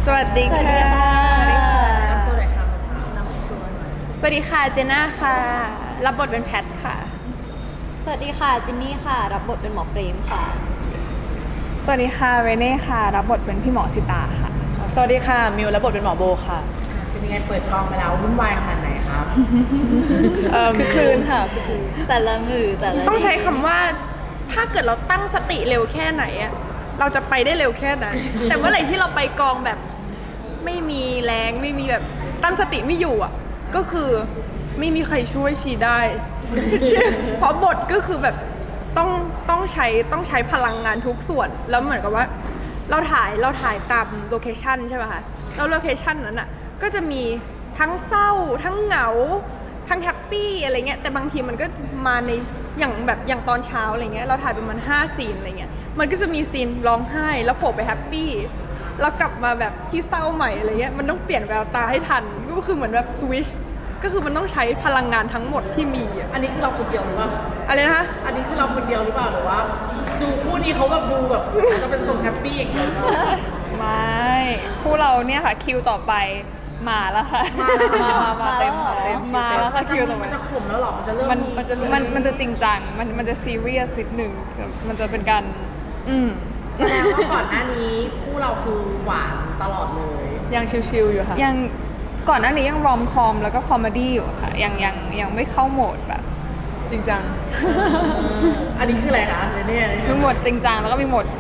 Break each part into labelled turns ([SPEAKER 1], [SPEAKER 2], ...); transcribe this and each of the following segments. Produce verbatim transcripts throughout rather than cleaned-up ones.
[SPEAKER 1] วัสดีค่ะ
[SPEAKER 2] สวัสดีค่ะ
[SPEAKER 3] น้ำตัวไหนคะสาวๆน้ำตัวหน่อย
[SPEAKER 1] สวัสดีค่ะเจน่าค่ะ รับบทเป็นแพทค่ะ
[SPEAKER 2] สวัสดีค่ะจินนี่ค่ะ รับบทเป็นหมอเปรมค่ะ
[SPEAKER 4] สวัสดีค่ะเรเน่ค่ะรับบทเป็นพี่หมอสิตาค่ะ
[SPEAKER 5] สวัสดีค่ะมิวรับบทเป็นหมอโบค่ะ
[SPEAKER 3] เป็นยังไงเปิดกองไปแล้ววุ่นวายขนาดไหนครับ
[SPEAKER 5] เอ่อคือคลืนค่ะคือคลืน
[SPEAKER 2] แต่ละมือแต่ละ
[SPEAKER 1] ต้องใช้คำว่าถ้าเกิดเราตั้งสติเร็วแค่ไหนอะเราจะไปได้เร็วแค่นั้น แต่เมื่อไหร่ที่เราไปกองแบบไม่มีแรงไม่มีแบบตั้งสติไม่อยู่อะก็คือไม่มีใครช่วยชีได้ เพราะบทก็คือแบบต้องต้องใช้ต้องใช้พลังงานทุกส่วน แล้วเหมือนกับว่าเราถ่ายเราถ่ายตามโลเคชันใช่ป่ะคะแล้วโลเคชันนั้นอะก็จะมีทั้งเศร้าทั้งเหงาทั้งแฮปปี้อะไรเงี้ยแต่บางทีมันก็มาในอย่างแบบอย่างตอนเช้าอะไรเงี้ยเราถ่ายประมาณห้าซีนอะไรเงี้ยมันก็จะมีซีนร้องไห้แล้วโผล่ไปแฮปปี้แล้วกลับมาแบบที่เศร้าใหม่อะไรเงี้ยมันต้องเปลี่ยนแววตาให้ทันก็คือเหมือนแบบสวิชก็คือมันต้องใช้พลังงานทั้งหมดที่มีอะ
[SPEAKER 3] อันนี้คือเราคนเดียวหรือเปล่า
[SPEAKER 1] อะไรนะคะ
[SPEAKER 3] อันนี้คือเราคนเดียวหรือเปล่าหรือว่า ดูคู่นี้เขาแบบดูแบบจะเป็นทรงแฮปปี้อย่างเดียวหรือเปล่า
[SPEAKER 4] ไม่คู่เราเนี่ยค่ะคิวต่อไปมาแล้วค่ะ
[SPEAKER 5] มามามาเต็มค่ะเต็ม
[SPEAKER 4] มาแล้วค่ะคิวต่อไป
[SPEAKER 3] มันจะขมแล้วหรอมันจะเริ่ม
[SPEAKER 4] มันมันจะมันมันจะจริงจังมันมันจะซีเรียสนิดหนึ่งมันจะเป็นการอืม
[SPEAKER 3] แสดงว่าก่อนหน้านี้คู่เราคือหวานตลอดเลย
[SPEAKER 5] ยังชิวๆอยู่ค่ะ
[SPEAKER 4] ยังก่อนหน้านี้ยังรอมคอมแล้วก็คอมเมดี้อยู่ค่ะยังยังยังไม่เข้าโหมดแบบ
[SPEAKER 5] จริงจัง
[SPEAKER 3] อันนี้คืออะไรคะเนี่ย
[SPEAKER 4] มีโหมดจริงจังแล้วก็มีโหมด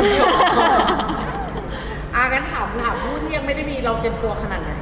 [SPEAKER 3] อางั้นถามถามผู้ที่ยังไม่ได้มีเราเต็มตัวขนาดไหน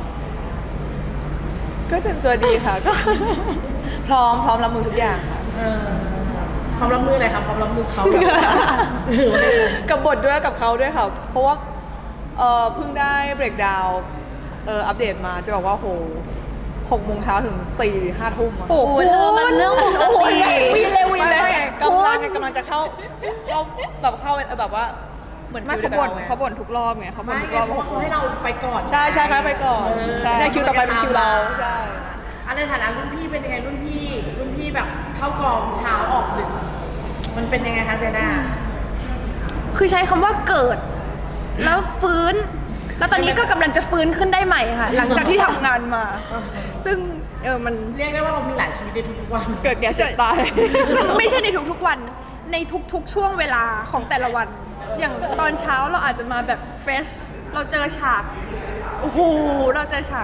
[SPEAKER 5] ก็เต็มตัวดีค่ะ ก็ พร้อมพร้อมรับมือทุกอย่างค่ะ
[SPEAKER 3] เออความรับมืออะไรครับความรับมือเขาแบบ
[SPEAKER 5] กับบทด้วยกับเขาด้วยค่ะ เพราะว่าเออเพิ่งได้เบรกดาวน์เอออัปเดตมาจะบอกว่าโหหกโมงเช้าถึงสี่ห้าทุ่มอะ
[SPEAKER 2] โอ้โหเรื่องมันเรื่องปกติ
[SPEAKER 5] วีเลยวีเลยกำลังกำลังจะเข้าเข้าแบบเข้าแบบว่าเหมือน
[SPEAKER 4] ไม่
[SPEAKER 5] ฟิ
[SPEAKER 4] เขา
[SPEAKER 5] ล
[SPEAKER 4] บ่น
[SPEAKER 5] ดียวกับรไง
[SPEAKER 4] เขาบ่นทุกรอบไงเขาบ่น
[SPEAKER 3] ไม่
[SPEAKER 4] ทุก
[SPEAKER 3] ไง
[SPEAKER 4] รอบ
[SPEAKER 3] เพราะว่าเขาให้เราไปก่อน
[SPEAKER 5] ใช่ใช่ครับไปก่อน
[SPEAKER 3] เออ
[SPEAKER 4] ใช่
[SPEAKER 5] ใช่คิวต่อไปเป็นคิวเราใช่
[SPEAKER 3] อันในฐานะรุ่นพี่เป็นยังไงรุ่นพี่รุ่นพี่แบบเข้ากองเช้าออกดึกมันเป็นยังไงคะเซน่า
[SPEAKER 1] คือใช้คำว่าเกิด แล้วฟื้น แล้วตอนนี้ก็กำลังจะฟื้นขึ้นได้ใหม่ค่ะ หลังจากที่ทำงานมา ซึ่งเออมัน
[SPEAKER 3] เรียกได้ว่าเรามีหลายชีวิตในทุกๆวัน
[SPEAKER 4] เกิดแก่เจ็บตาย
[SPEAKER 1] ไม่ใช่ในทุกๆวัน ในทุกๆช่วงเวลาของแต่ละวัน อย่างตอนเช้าเราอาจจะมาแบบเฟรชเราเจอฉากโอ้โหเราเจอฉาก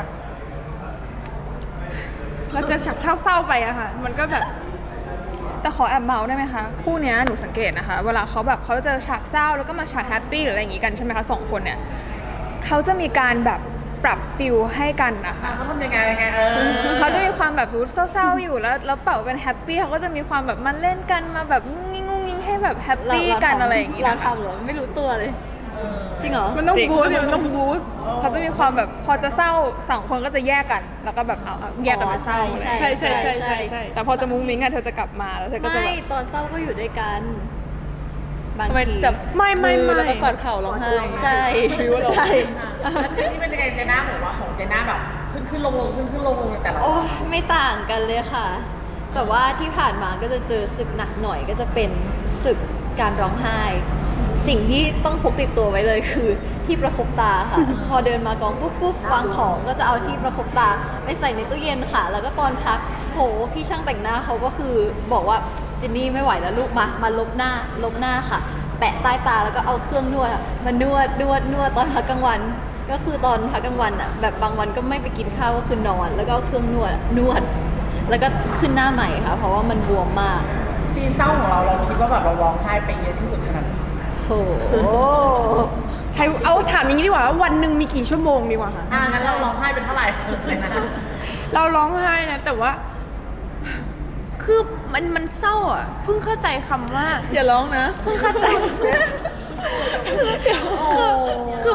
[SPEAKER 1] เราเจอฉากเศร้าๆไปอะค่ะ มันก็แบบ
[SPEAKER 4] แต่ขอแอบเมาส์ได้ไหมคะคู่เนี้ยหนูสังเกตนะคะ เวลาเขาแบบเขาเจอฉากเศร้าแล้วก็มาฉากแฮปปี้หรืออะไรอย่างงี้กันใช่ไหมคะสองคนเนี่ยเขาจะมีการแบบปรับฟิลให้กันนะคะ
[SPEAKER 3] อ่ะเขาทำยังไงยังไงเออ
[SPEAKER 4] เขาจะมีความแบบรู้เศร้าๆอยู่แล้วแล้วเป่าเป็นแฮปปี้เขาก็จะมีความแบบมาเล่นกันมาแบบงุ้งงิ้งงุ้งงิ้งให้แบบแฮปปี้กันอะไรอย่างงี้
[SPEAKER 2] เรา
[SPEAKER 4] นะคะ
[SPEAKER 2] ทำเหรอไม่รู้ตัวเลย จริงเหรอ
[SPEAKER 1] มันต้อง
[SPEAKER 4] จริง
[SPEAKER 1] บูสต์มันต้องบูสต์
[SPEAKER 4] เขาจะมีความแบบพอจะเศร้าสองคนก็จะแยกกัน แล้วก็แบบเอาเอาแยกกันไปเศร้า
[SPEAKER 2] อ๋อ
[SPEAKER 4] อะไร
[SPEAKER 2] ใช่
[SPEAKER 1] ใช่ใช่ใช่ใช่ใช่
[SPEAKER 4] แต่พอจะมุ้งมิ้งอะเธอจะกลับมาแล้วเธอก็จะ
[SPEAKER 2] ไม่
[SPEAKER 4] แบบ
[SPEAKER 2] ตอนเศร้าก็อยู่ด้วยกัน บาง
[SPEAKER 5] ทำไม
[SPEAKER 2] ที
[SPEAKER 5] จับ
[SPEAKER 1] ไม่ไม่
[SPEAKER 5] มือ
[SPEAKER 1] ไม่
[SPEAKER 5] แล้วก็กอดเข่าร้องไห้
[SPEAKER 2] ใช่
[SPEAKER 5] ฟิวว่าเรา
[SPEAKER 2] ใช่
[SPEAKER 3] อ่ะแล้วเจนนี่เป็นยังไงเจน่าบอกว่าของเจน่าแบบขึ้นขึ้นลงลงขึ้นขึ้นลงลงในแต่ละ
[SPEAKER 2] โอ้
[SPEAKER 3] วัน
[SPEAKER 2] ไม่ต่างกันเลยค่ะ แต่ว่าที่ผ่านมาก็จะเจอศึกหนักหน่อยก็จะเป็นศึกการร้องไห้ สิ่งที่ต้องพกติดตัวไว้เลยคือที่ประคบตาค่ะ พอเดินมากองปุ๊บปุ๊บวางของก็จะเอาที่ประคบตาไปใส่ในตู้เย็นค่ะ แล้วก็ตอนพักโหพี่ช่างแต่งหน้าเขาก็คือบอกว่าจินนี่ไม่ไหวแล้วลูกมามาลบหน้าลบหน้าค่ะ แปะใต้ตาแล้วก็เอาเครื่องนวดอะมานวดนวดนวดตอนพักกลางวัน ก็คือตอนพักกลางวันอ่ะแบบบางวันก็ไม่ไปกินข้าวก็คือนอน แล้วก็เอาเครื่องนวดอะนวด แล้วก็ขึ้นหน้าใหม่ค่ะ เพราะว่ามันบวมมาก
[SPEAKER 3] ซีนเศร้าของเราเราคิดว่าแบบเราร้องไห้ไปเยอะที่สุดขนาดไหน
[SPEAKER 2] โอ้โห
[SPEAKER 1] ใช้เอาถามอย่างนี้ดีกว่าว่าวันหนึ่งมีกี่ชั่วโมงดีกว่าค่ะ
[SPEAKER 3] อ่างั้นเราร้องไห้เป็นเท่าไหร่เจน่า
[SPEAKER 1] เราร้องไห้นะแต่ว่า คือมันมันเศร้าอ่ะ เพิ่งเข้าใจคำว่า
[SPEAKER 5] อย่าร้องนะ
[SPEAKER 1] เพิ่งเข้าใจ
[SPEAKER 2] โอ้
[SPEAKER 1] คือ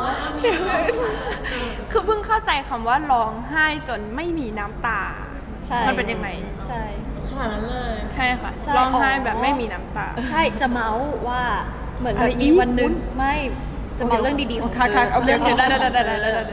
[SPEAKER 1] คือเพิ่งเข้าใจคำว่าร้องไห้จนไม่มีน้ำตา
[SPEAKER 2] ใช่
[SPEAKER 1] มันเป็นยังไง
[SPEAKER 2] ใช่
[SPEAKER 3] ขนาดนั้นเลย
[SPEAKER 1] ใช่ค่ะ
[SPEAKER 2] ใช่
[SPEAKER 1] ร้องไห้
[SPEAKER 2] อ๋อ
[SPEAKER 1] แบบไม่มีน้ำตา
[SPEAKER 2] ใช่จะเมาส์ว่าเหมือนแบ
[SPEAKER 1] อะไร
[SPEAKER 2] บ
[SPEAKER 1] อี
[SPEAKER 2] มี
[SPEAKER 1] ก
[SPEAKER 2] วันหนึ่ง
[SPEAKER 1] คุณ
[SPEAKER 2] ไม่จะเมาเรื่องดีๆของเธ
[SPEAKER 1] ค่ะ
[SPEAKER 2] อ
[SPEAKER 1] ค่ะโอเคโอเคได้ได้ได้ได้ได้
[SPEAKER 2] เออ
[SPEAKER 1] ได้ได้ได้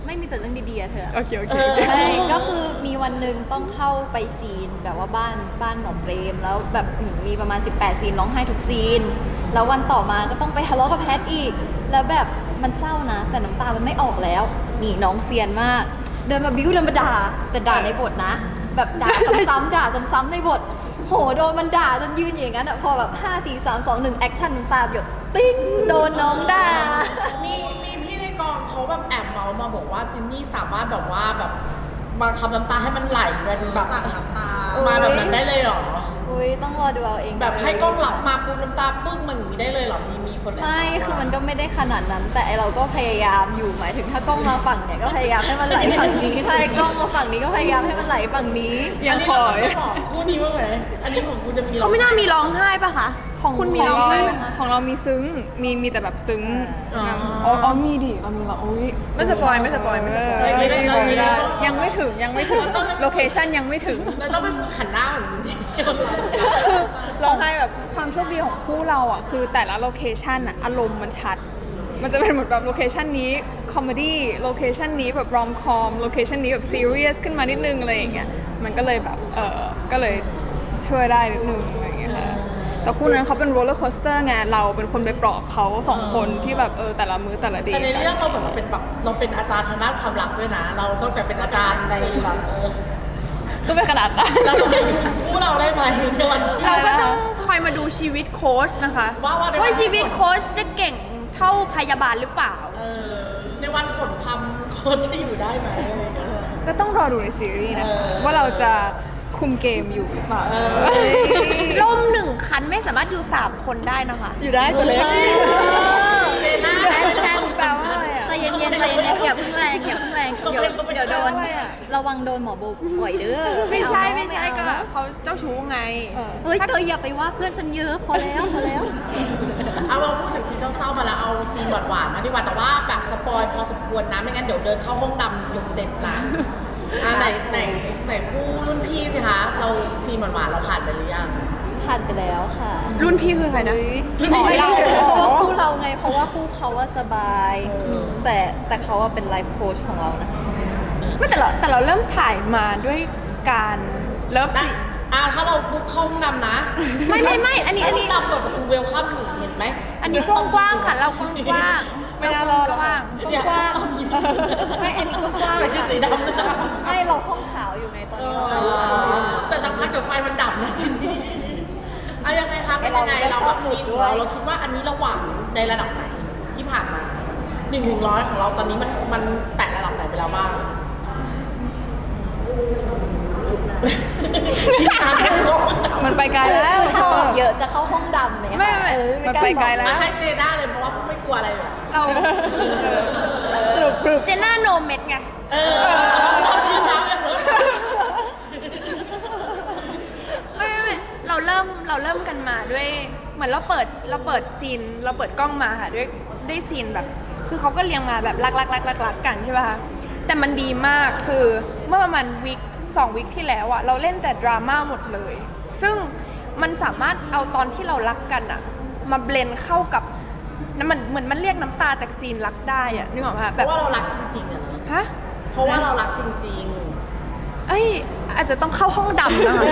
[SPEAKER 2] ไม่มีแต่เรื่องดีๆอะเธอ
[SPEAKER 1] โอเคโอเค
[SPEAKER 2] ใช่ก็คือมีวันหนึ่งต้องเข้าไปซีนแบบว่าบ้านบ้านหมอเปรมแล้วแบบมีประมาณสิบแปดซีนร้องไห้ทุกซีน แล้ววันต่อมาก็ต้องไปทะเลาะกับแพทอีก แล้วแบบมันเศร้านะ แต่น้ำตามันไม่ออกแล้ว นี่น้องเซียนมาก เดินมาบิ้วเดินมาด่าแต่ด่าในบทนะ แบบด่าซ้ำๆด่าซ้ำๆในบท โหโดนมันด่าจนยืนอย่างนั้นอะพอแบบห้า สี่ สาม สอง หนึ่งแอคชั่นน้ำตาหยดติ้งโดนน้องด่า
[SPEAKER 3] มีมีพี่ในกองเขาแบบแอบเมาส์มาบอกว่าจินนี่สามารถแบบว่าแบบมาทำน้ำตาให้มันไหลเป็นแบบสั่งน้ำตามาแบบนั้นได้เลยเหรอ
[SPEAKER 2] อุ้ยต้องรอดูเอาเอง
[SPEAKER 3] แบบให้กล้องหลับมาปุ๊บน้ำตาปึ้งมันอย่างนี้ได้เลยเหรอมีมีคนแอบ
[SPEAKER 2] ไม่
[SPEAKER 3] เาส์
[SPEAKER 2] คือมันก็ไม่ได้ขนาดนั้น แต่ไอเราก็พยายามอยู่หมายถึงถ้ากล้องมาฝั่งเนี่ยก็พยายามให้มันไหลฝั่งนี้ถ้าไอ้กล้องมาฝั่งนี้ก็พยายามให้มันไหลฝั่งนี้
[SPEAKER 1] ยังคอย
[SPEAKER 3] นนี้เราไม่บอกคู่นี้บ้างไหมอันนี้ของคุณจะมี
[SPEAKER 1] เขาไม่น่ามีร้องไห้ปะคะ
[SPEAKER 4] ของ
[SPEAKER 1] คุณมี
[SPEAKER 4] ของ
[SPEAKER 1] ร้อง
[SPEAKER 4] เรา
[SPEAKER 1] ไห้ไหมคะ
[SPEAKER 4] ของเรามีซึ้งมีมีแต่แบบซึ้ง
[SPEAKER 3] อ๋อ
[SPEAKER 4] อ๋ออ๋อมีดิเรามีแบบอุ้ย
[SPEAKER 5] ไม่สปอยไม่สปอยไม่สปอย
[SPEAKER 3] เออไม่ได้ไม่ได้
[SPEAKER 4] ยังไม่ถึงยังไม่ถึงโลเคชั่นยังไม่ถึง
[SPEAKER 3] เราต้องไปฝึกขันหน้าเหมือนนี้
[SPEAKER 5] ร้องไห้แบบ
[SPEAKER 4] ความโชคดีของคู่เราอ่ะคือแต่ละโลเคชันอ่ะอารมณ์มันชัด มันจะเป็นเหมือนแบบโลเคชันนี้คอมเมดี้โลเคชันนี้แบบรอมคอมโลเคชันนี้แบบซีเรียสขึ้นมานิดนึงอะไรอย่างเงี้ยมันก็เลยแบบเออก็เลยช่วยได้นิดนึงอะไรอย่างเงี้ยค่ะแต่คู่นั้นเขาเป็นโรลเลอร์โคสเตอร์ไงเราเป็นคนไปปลอบเขาสองคนที่แบบเออแต่ละมื้อแต่ละเด
[SPEAKER 3] แต่
[SPEAKER 4] ย์
[SPEAKER 3] ในเรื่องเราเหมือนเราเป็นแบบเราเป็นอาจารย์ทางด้านความรักด้วยนะ เราต้องจะเป็นอาจารย์ในแบบเออ
[SPEAKER 4] ก็ไม่ขนาดนั้น
[SPEAKER 3] เราจะยืนคู่เราได้ไหมในวันที่
[SPEAKER 1] เราก็ต้องคอยมาดูชีวิตโค้ชนะคะ
[SPEAKER 3] ว่าว่าในวัน
[SPEAKER 1] ชีวิตโค้ชจะเก่งเท่าพยาบาลหรือเปล่า
[SPEAKER 3] เออในวันฝนพรำโค้ชจะอยู่ได้ไหมอะไรอย่างเงี้ย
[SPEAKER 4] ก็ต้องรอดูในซีรีส์นะ
[SPEAKER 3] เออ
[SPEAKER 4] ว่าเราจะคุมเกมอยู่หรือเปล่า
[SPEAKER 1] ล่มหนึ่งคันไม่สามารถอยู่สามคนได้นะคะ
[SPEAKER 5] อยู่ได้ตัวเล็ก
[SPEAKER 3] เจน่า
[SPEAKER 2] แทนแทน
[SPEAKER 4] แปลว่าอะไรอะ
[SPEAKER 2] ใจเย็นๆใจเย็นๆอย่าเพิ่งแรงอย่าเพิ่งแรงเดี๋ยวเดี๋ยวโดนระวังโดนหมอโบปล่อยเด้อ
[SPEAKER 1] ไม่ใช่
[SPEAKER 2] เอา
[SPEAKER 1] ไม่ใช่
[SPEAKER 2] เอา
[SPEAKER 1] ก็เขาเจ้าชู้ไง
[SPEAKER 4] เออ
[SPEAKER 2] เฮ้ยเธออย่าไปว่าเพื่อนฉันเยอะพอแล้วพอแล้ว
[SPEAKER 3] เอาเราพูดถึงซีนเศร้าๆมาแล้วเอาซีนหวานๆมาดีกว่าแต่ว่าแบบสปอยพอสมควรนะไม่งั้นเดี๋ยวเดินเข้าห้องดำยกเสร็จนะอ่าไหนไหนไหนคู่รุ่นพี่สิคะเราซีนหวานๆเราผ่านไปหรือยัง
[SPEAKER 2] ผ่านไปแล้วค่ะ
[SPEAKER 1] รุ่นพี่คือใครนะ
[SPEAKER 3] รุ่นพี่
[SPEAKER 2] ไม่เรา
[SPEAKER 3] อ๋อ
[SPEAKER 2] เพราะว่าคู่เราไง เพราะว่าคู่เขาว่าสบาย แต่แต่เขาว่าเป็นไลฟ์โค้ชของเรานะ
[SPEAKER 1] ไม่แต่เราแต่เราเริ่มถ่ายมาด้วยการเลิฟ
[SPEAKER 3] นะ
[SPEAKER 1] ซี
[SPEAKER 3] อ่าถ้าเราปุ๊บเข้าห้องดำนะ
[SPEAKER 1] ไม่ไม่ไม่อันนี้อันนี้
[SPEAKER 3] ห้งดำเปิดประตูเวลคัมหนึ่งเห็นไหม
[SPEAKER 1] อันนี้กว้างๆค่ะเรากว้างๆ
[SPEAKER 5] ไม่น่ารอด
[SPEAKER 1] กว้าง
[SPEAKER 2] กว้าง ไม่อันนี้ก็กว้าง
[SPEAKER 3] ใส่ชุด
[SPEAKER 2] ค่ะ
[SPEAKER 3] สีดำนะ
[SPEAKER 2] ไม่เราห้องขาวอยู่ไงตอนนี้เรา
[SPEAKER 3] เอ
[SPEAKER 2] ห้องขาว
[SPEAKER 3] อแต่สักพักเดี๋ยวไฟมันดับนะจินนี่เอายังไงคะเป็นยังไงเราแบบซีนของเราเราคิดว่าอันนี้เราหวานในระดับไหนที่ผ่านมาหนึ่งถึงร้อยของเราตอนนี้มันมันแตะระดับไหนไปแล้วบ้าง
[SPEAKER 4] มันไปไกลแล้ว
[SPEAKER 2] ถ้าตอบเยอะจะเข้าห้องดำไหมคะ
[SPEAKER 1] ไม่ไม่
[SPEAKER 2] เออ
[SPEAKER 4] มันไปไกลแล้ว
[SPEAKER 3] มาให้เจด้าเลยเพราะว่าพวกไม่กลัวอะไรเลย
[SPEAKER 1] เรา
[SPEAKER 5] สรุปปรึบ
[SPEAKER 1] เจน่าโนเม็ดไง
[SPEAKER 3] เออทำที่น้ำเลย
[SPEAKER 1] ไม่ไม่ไม่เราเริ่มเราเริ่มกันมาด้วยเหมือนเราเปิดเราเปิดซีนเราเปิดกล้องมาค่ะด้วยด้วยซีนแบบ คือเขาก็เรียงมาแบบรักรักรักรักรักกันใช่ป่ะคะแต่มันดีมากคือเมื่อประมาณวีคสองวีคที่แล้วอะเราเล่นแต่ดราม่าหมดเลย ซึ่งมันสามารถเอาตอนที่เรารักกันอะมาเบลนเข้ากับน้ำมันเหมือนมันเรียกน้ำตาจากซีนรักได้อะนึกออกไหมคะ
[SPEAKER 3] เพ
[SPEAKER 1] แบบ
[SPEAKER 3] ราะว่าเรารักจริงๆอะนะ
[SPEAKER 1] ฮะ
[SPEAKER 3] เพราะว่าเรารักจริง
[SPEAKER 1] เอ้ยอาจจะต้องเข้าห้องดำนะคะ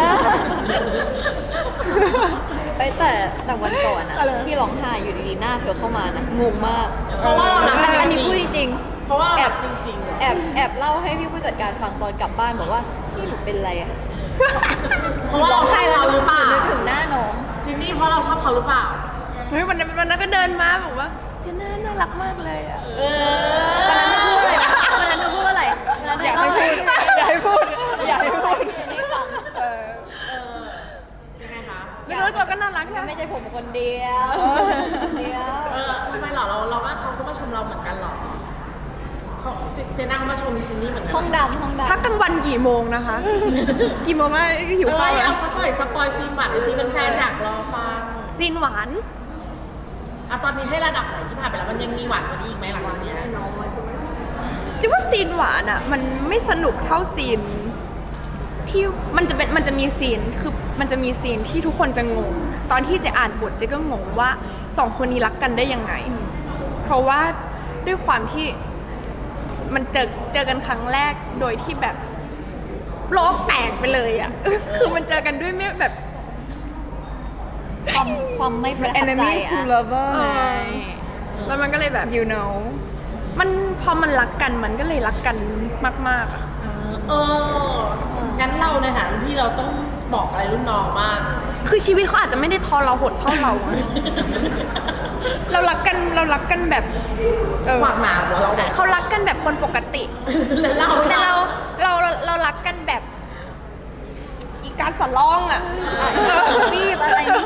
[SPEAKER 2] ไปแต่แต่วันก่อนอะที่ร้องไห้อยู่ดีๆหน้าเธอเข้ามานะงงมาก
[SPEAKER 3] ๆ เพราะว่าเรารัก
[SPEAKER 2] อัน
[SPEAKER 3] จ
[SPEAKER 2] อันนี้
[SPEAKER 3] ริง
[SPEAKER 2] พูดจ
[SPEAKER 3] ๆ
[SPEAKER 2] ริง
[SPEAKER 3] เพราะว่าเรา
[SPEAKER 2] แอ
[SPEAKER 3] รั
[SPEAKER 2] บ
[SPEAKER 3] กจริงๆอะ
[SPEAKER 2] แอบแอบเล่าให้พี่ผู้จัดการฟังตอนกลับบ้านบอกว่าพี่หนูเป็นอะไรอะ
[SPEAKER 3] เพราะว่าเราชอบเขาหรือเปล่า
[SPEAKER 2] นึกถึงหน้าน้อง
[SPEAKER 3] จินนี่เพราะเราชอบเขาหรือเปล่า
[SPEAKER 1] เฮ้ยวันนั้นวันนั้นก็เดินมาบอกว่าเจน่าน่ารักมากเลยอะ
[SPEAKER 3] เอ
[SPEAKER 2] วันนั้นเธอพูดว่าอะไรวันนั้นเธ
[SPEAKER 4] อยาก
[SPEAKER 2] เล่
[SPEAKER 4] ให้พูดอยากให้พูดอยากให้พูด
[SPEAKER 2] ให้ฟัง
[SPEAKER 1] เออ
[SPEAKER 3] ยังไงคะ
[SPEAKER 1] แล้วรถเราก็น่ารักใช่ไหม
[SPEAKER 2] ไม่ใช่ผมคนเดียวคนเดียว
[SPEAKER 3] เออทำไมเหรอเราเราว่าเขาก็มาชมเราเหมือนกันเหรอเขาเจเจน่าเขามาชมจินนี่เหมือนกั
[SPEAKER 2] ห้องดำห้องดำ
[SPEAKER 1] พักกลางวันกี่โมงนะคะ กี่โมงอะหิว
[SPEAKER 3] เออ
[SPEAKER 1] ข้าว
[SPEAKER 3] เอา
[SPEAKER 1] แล้ว
[SPEAKER 3] สักหน่อยสปอยซีนหวานหรือซีนแฟนๆอยากรอฟัง
[SPEAKER 1] ซีนหวาน
[SPEAKER 3] อ่ะตอนนี้ให้ระดับไหนที่ผ่านไปแล้วมันยังมีหวานกว่านี้อีกไหมหลังจากเนี้ย
[SPEAKER 1] จิว่าซีนหวานอ่ะ มันไม่สนุกเท่าซีน ที่มันจะเป็นมันจะมีซีนคือมันจะมีซีนที่ทุกคนจะงง ตอนที่เจะอ่านบทเจะก็งงว่าสองคนนี้รักกันได้ยังไง เพราะว่าด้วยความที่มันเจอเจอกันครั้งแรกโดยที่แบบโลกแตกไปเลยอ่ะ คือมันเจอกันด้วยไม่แบบ
[SPEAKER 2] ความความไม่ประทับใจ
[SPEAKER 4] enemies to
[SPEAKER 2] อะ
[SPEAKER 4] lover
[SPEAKER 1] เอ
[SPEAKER 4] ไง
[SPEAKER 1] อ แล้วมันก็เลยแบบ
[SPEAKER 4] you know
[SPEAKER 1] มันพอมันรักกันมันก็เลยรักกันมากๆอ่ะ
[SPEAKER 3] เอองั้นเราในฐานะพี่เราต้องบอกอะไรรุ่นน้องบ้าง
[SPEAKER 1] คือชีวิตเขาอาจจะไม่ได้ทรหดเท่าเราอะ เรารักกันเรารักกันแบบเออ
[SPEAKER 3] ฝากหนามเหรอเราแบบ
[SPEAKER 1] เขารักกันแบบคนปกติ
[SPEAKER 3] แล้วเรา
[SPEAKER 1] แต่เราเราเรารักกันแบบอีการสะล่องอ่ะ
[SPEAKER 2] รีบอะไรนี่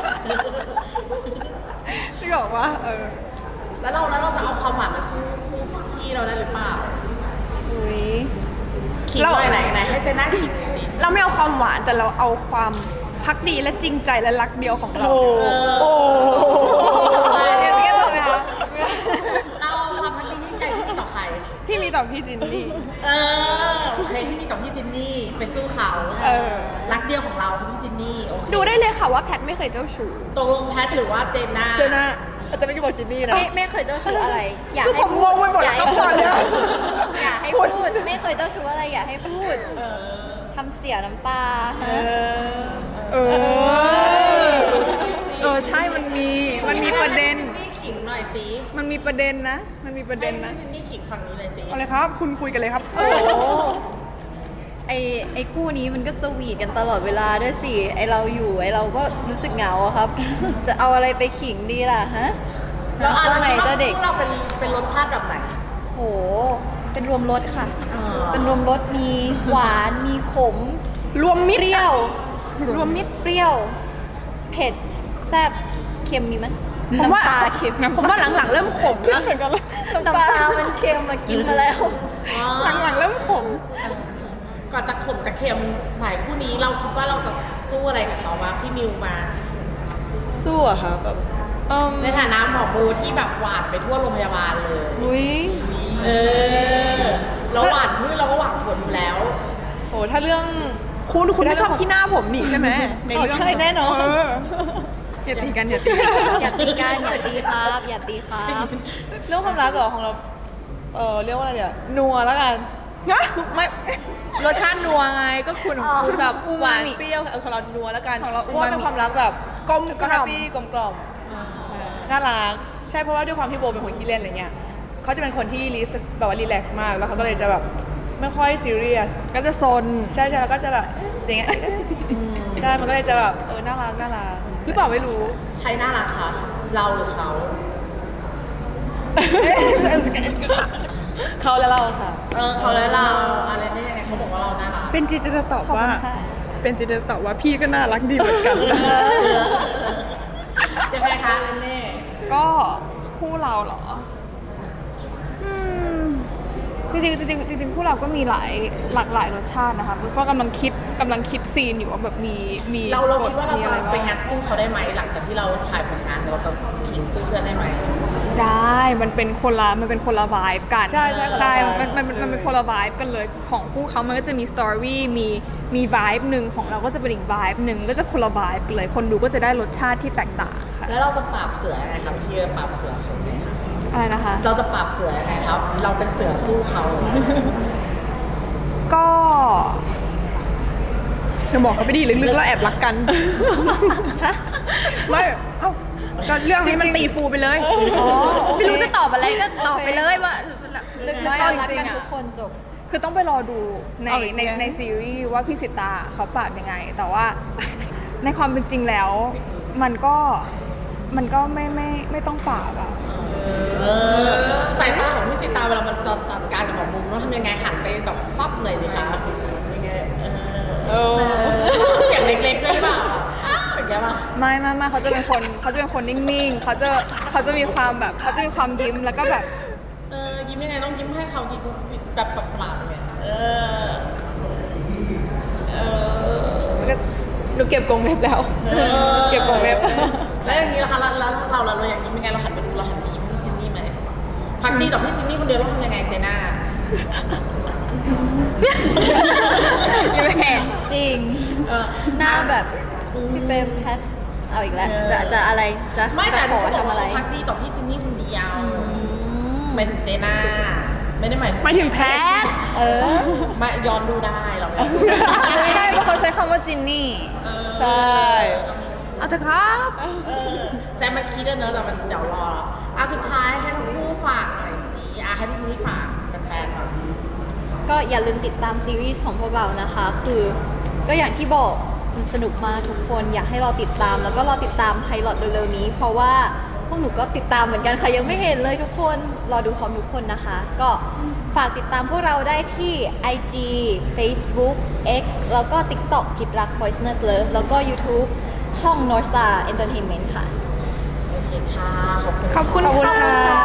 [SPEAKER 1] ที่บอกว่าเออ
[SPEAKER 3] แล้วเราแล้วเราจะเอาความหวานมาสู้สู้พี่เราได้หรือเปล่า
[SPEAKER 2] อุ้ย
[SPEAKER 3] ขิงหน่อยไหนไหนให้เจน่าขิงหน่อยสิ
[SPEAKER 1] เราไม่เอาความหวานแต่เราเอาความพักดีและจริงใจและรักเดียวของเรา
[SPEAKER 3] โอ้
[SPEAKER 1] เดี๋ยวเรียกเลยค่ะ
[SPEAKER 3] เราเอาความพักดีที่ใจที่มีต่อใคร
[SPEAKER 1] ที่มีต่อพี่จินนี่
[SPEAKER 3] เออโอเคที่มีต่อพี่จินนี่ไปสู้เขา
[SPEAKER 1] เออ
[SPEAKER 3] รักเดียวของเราคือพี่จินนี่โอเค
[SPEAKER 1] ดูได้เลยค่ะว่าแพทไม่เคยเจ้าชู้
[SPEAKER 3] ตกลงแพทหรือว่าเจนน่า
[SPEAKER 5] เจน่าแต่ไม่ได้บอกจินนี่นะ
[SPEAKER 2] ไม่ไม่เคยเจ้าชู้อะไร อยาก
[SPEAKER 1] คือ
[SPEAKER 2] ให้
[SPEAKER 1] ผม
[SPEAKER 2] พู
[SPEAKER 1] ง
[SPEAKER 2] ด
[SPEAKER 1] งไปหมด
[SPEAKER 2] อยาก
[SPEAKER 1] แล้ว
[SPEAKER 2] ให้
[SPEAKER 1] ครับตอนเนี้ย
[SPEAKER 2] อยากให้พูด ไม่เคยเจ้าชู้อะไรอยากให้พูดทำเสียน้ำตาฮะ
[SPEAKER 4] เออ เออ ใช่ มันมี มันมีประเด็น
[SPEAKER 3] นี่ขิงหน่อยสิ
[SPEAKER 4] มันมีประเด็นนะ มันมีประเด็นนะ
[SPEAKER 3] ให้พี่จินนี่ขิงฝั่งนี้เลยสิ
[SPEAKER 1] เอาเลยครับ คุณคุยกันเลยครับ
[SPEAKER 2] โอ้ไอไอคู่นี้มันก็สวีทกันตลอดเวลาด้วยสิ ไอเราอยู่ไอเราก็รู้สึกเหงาอะครับ จะเอาอะไรไปขิงดีล่ะฮะ
[SPEAKER 3] แล้วอะ
[SPEAKER 2] ว่า
[SPEAKER 3] ไร
[SPEAKER 2] ไงเจ้าเด็ก
[SPEAKER 3] เราเป็นเป็นรสชาติแบบไหน
[SPEAKER 2] โห เป็นรวมรสค่ะ
[SPEAKER 3] อ่า
[SPEAKER 2] เป็นรวมรสมีหวาน มีขม
[SPEAKER 1] รวมมิต
[SPEAKER 2] เป
[SPEAKER 1] ร
[SPEAKER 2] รี้ยว
[SPEAKER 1] รวมมิตร
[SPEAKER 2] เปรี้ยว เผ็ด แซ่บ เค็มมีไหม
[SPEAKER 1] ผมว่า
[SPEAKER 2] น้ำตาเค็ม
[SPEAKER 1] ผมว่าหลังๆเริ่มขมแล้ว
[SPEAKER 2] น้ำตามันเค็มมากินมาแล้ว
[SPEAKER 1] หลังๆเริ่มขม
[SPEAKER 3] ก่อนจะขมจะเค็มหมายคู่นี้เราคิดว่าเราจะสู้อะไรกับเขาวะพี่มิวมา
[SPEAKER 5] สู้อะค่ะแบบเอิ่ม
[SPEAKER 3] ในฐานะหมอบูที่แบบหวานไปทั่วโรงพยาบาลเลย
[SPEAKER 5] อุ้ย
[SPEAKER 3] เออ เราหวานพืชเราก็หวานผลอยู่แล้ว
[SPEAKER 5] โหถ้าเรื่อง
[SPEAKER 1] คุณคุณไม่ชอบขี้หน้าผมนี่ใช่ไหมใน
[SPEAKER 5] อ๋อ
[SPEAKER 1] เรื่อง
[SPEAKER 5] ใช่แน่นอน
[SPEAKER 1] เออ
[SPEAKER 4] อย่าตีกัน อย่าตีกัน
[SPEAKER 2] อย่าตีกันอย่าตีครับ อย่าตีครับ
[SPEAKER 5] เรื่องความรักเหรอของเรา เออเรียกว่าอะไรเดี๋ยวนัวแล้วกัน
[SPEAKER 1] นะ
[SPEAKER 5] คือไม่รสชาตินัวไงก็คุณของคุณแบบ
[SPEAKER 4] อู
[SPEAKER 5] หวาม
[SPEAKER 4] าน มิ
[SPEAKER 5] เปรี้ยวเออของเรานัวแล้วกัน
[SPEAKER 4] ของเรา
[SPEAKER 5] เพราะว่า
[SPEAKER 4] อูมามิ
[SPEAKER 5] เป็นความรักแบบ
[SPEAKER 1] กลม
[SPEAKER 5] ก็
[SPEAKER 1] ก
[SPEAKER 5] แฮ
[SPEAKER 1] ล่
[SPEAKER 5] ป
[SPEAKER 1] อม
[SPEAKER 5] ปี้กลมกล่อมน่ารักใช่เพราะว่าด้วยความที่โบเป็นคนขี้เล่นอะไรเงี้ยเขาจะเป็นคนที่รีสแบบว่ารีแลกซ์มากแล้วเขาก็เลยจะแบบไม่ค่อยซีเรียส
[SPEAKER 4] ก็จะซน
[SPEAKER 5] ใช่ใช่แล้วก็จะแบบอย่างเงี้ยใช่มันก็เลยจะแบบเออน่ารักน่ารักหรือเปล่าไม่รู้
[SPEAKER 3] ใครน่ารักคะเราหรือเขา
[SPEAKER 5] เขาและเราค่ะ
[SPEAKER 3] เออเขาและเราอะไรได้ยังไงเขาบอกว่าเราน่ารัก
[SPEAKER 1] เป็นจีจะตอบ
[SPEAKER 2] ขอบ
[SPEAKER 1] ว่า
[SPEAKER 2] คุณค่ะ
[SPEAKER 1] เป็นจีจะตอบว่าพี่ก็น่ารักดีเหมือนกัน
[SPEAKER 3] ยังไงคะเน่
[SPEAKER 4] ก็คู่เราเหรออืมจริงๆจริงๆจริงๆคู่เราก็มีหลายหลากหลายรสชาตินะคะก็กำลังคิดกำลังคิดซีนอยู่ว่าแบบมีมี
[SPEAKER 3] เราเรา
[SPEAKER 4] บท
[SPEAKER 3] คิดว่าเรา
[SPEAKER 4] มี
[SPEAKER 3] จะ
[SPEAKER 4] อะไร
[SPEAKER 3] ไป
[SPEAKER 4] บ้าง
[SPEAKER 3] งัดสู้เขาได้ไหมหลังจากที่เราถ่ายผลงานเราจะขิงสู้เพื่อนได้ไหม
[SPEAKER 4] ได้มันเป็นคนละมันเป็นคนละวายกัน
[SPEAKER 5] ใช่ใช่คนละ
[SPEAKER 4] ใช่
[SPEAKER 5] vibe
[SPEAKER 4] มันมันมันมันเป็นคนละวายกันเลยของคู่เขามันก็จะมีสตอรี่มีมีวายหนึ่งของเราก็จะเป็นอีกวายหนึ่งก็จะคนละวายกันเลยคนดูก็จะได้รสชาติที่แตกต่างค่ะ
[SPEAKER 3] แล้วเราจะปราบเสือยังไงครับพี่จะปราบเสือเขาไหม
[SPEAKER 4] อะไรนะคะ
[SPEAKER 3] เราจะปราบเสือยังไงครับ เราเป็นเสือสู้เขา
[SPEAKER 4] ก็
[SPEAKER 1] จะบอกเขาไปดีลึกๆแล้วแอบรักกันไม่เอ้าก็เรื่องนี้มันตีฟูไปเลย
[SPEAKER 2] อ๋อโอเค
[SPEAKER 1] ไม่รู้จะตอบอะไรก็ตอบไปเลยว่า
[SPEAKER 2] ลึกน้อยรักกันทุกคนจบ
[SPEAKER 4] คือต้องไปรอดูใน
[SPEAKER 1] เอาอีก
[SPEAKER 4] ใน
[SPEAKER 1] แล้ว
[SPEAKER 4] ในซีรีส์ว่าพี่สิตาเขาปราบยังไง แต่ว่า ในความเป็นจริงแล้ว มันก็มันก็ไม่ไม่ไม่ต้องปราบอะ
[SPEAKER 3] เออสายตาของพี่สิตาเวลามันจะจัดการกับหมอมุมต้องทำยังไงหันไปแบบฟับหน่อยดิคะยังไงเออเสียงเล็กๆด้วยหรือเปล่าเป็นไงบ้าง
[SPEAKER 4] ไม่ไม่ไม่เขาจะเป็นคนเขาจะเป็นคนนิ่งๆเขาจะเขาจะมีความแบบเขาจะมีความยิ้มแล้วก็แบบ
[SPEAKER 3] เออยิ้มยังไงต้องยิ้มให้เขายิ้มแบบแบบปราบเนี่ยเออเออ
[SPEAKER 5] แล้วก็หนูเก็บกรงเล็บแล้ว เก็บกรงเล็บ
[SPEAKER 3] แล้วอย่างนี้ล่ะคะแล้วแล้วเราเราเราอยากยิ้มยังไงเราหันไปดูเราหันไปยิ้มให้พี่จินนี่ไหมพักดีต่อพี่จินนี่คนเดียวเราทำยังไงเจน่า
[SPEAKER 2] ยิ้มแหงจริง
[SPEAKER 3] เออ
[SPEAKER 2] หน้าแบบพี่เปมแพทเอาอีกแล้ว จะจะอะไร จะ
[SPEAKER 3] ไม่
[SPEAKER 2] จะ
[SPEAKER 3] แต่
[SPEAKER 2] ขอ
[SPEAKER 3] เขาบอก
[SPEAKER 2] ทำ
[SPEAKER 3] ว่า
[SPEAKER 2] อะไร
[SPEAKER 3] เขาพักดีต่อพี่จินนี่คนเดียว
[SPEAKER 2] อืม
[SPEAKER 3] หมายถึงเจน่าไม่ได้หมาย
[SPEAKER 1] หมายถึงแพท
[SPEAKER 2] เออ
[SPEAKER 3] ไม่ย้อนดูได้เราไม่
[SPEAKER 4] ไม่ได้เพราะเขาใช้คำว่าจินนี่
[SPEAKER 5] ใช่
[SPEAKER 1] เอาเถอะครับ
[SPEAKER 3] เออใจมันคิดอะเนอะแต่มันเดี๋ยวรออ่ะสุดท้ายให้ทั้งคู่ฝากหน่อยสิอ่ะให้พี่นี่ฝากแฟนๆหน่อย
[SPEAKER 2] ก็อย่าลืมติดตามซีรีส์ของพวกเรานะคะ คือก็อย่างที่บอกมันสนุกมากทุกคนอยากให้รอติดตาม แล้วก็รอติดตามไพลอตเร็วๆนี้ เพราะว่าพวกหนูก็ติดตามเหมือนกันค่ะยังไม่เห็นเลยทุกคนรอดูพร้อมทุกคนนะคะ ก็ฝากติดตามพวกเราได้ที่ ไอ จี Facebook X แล้วก็ TikTok คิดรัก Poisonous Love แล้วก็ YouTube ช่อง North Star Entertainment ค่ะ
[SPEAKER 3] โอเคค่ะ ขอบคุณ
[SPEAKER 1] ขอบคุณ
[SPEAKER 5] ขอบคุณ
[SPEAKER 1] ค่ะ
[SPEAKER 5] ค่ะ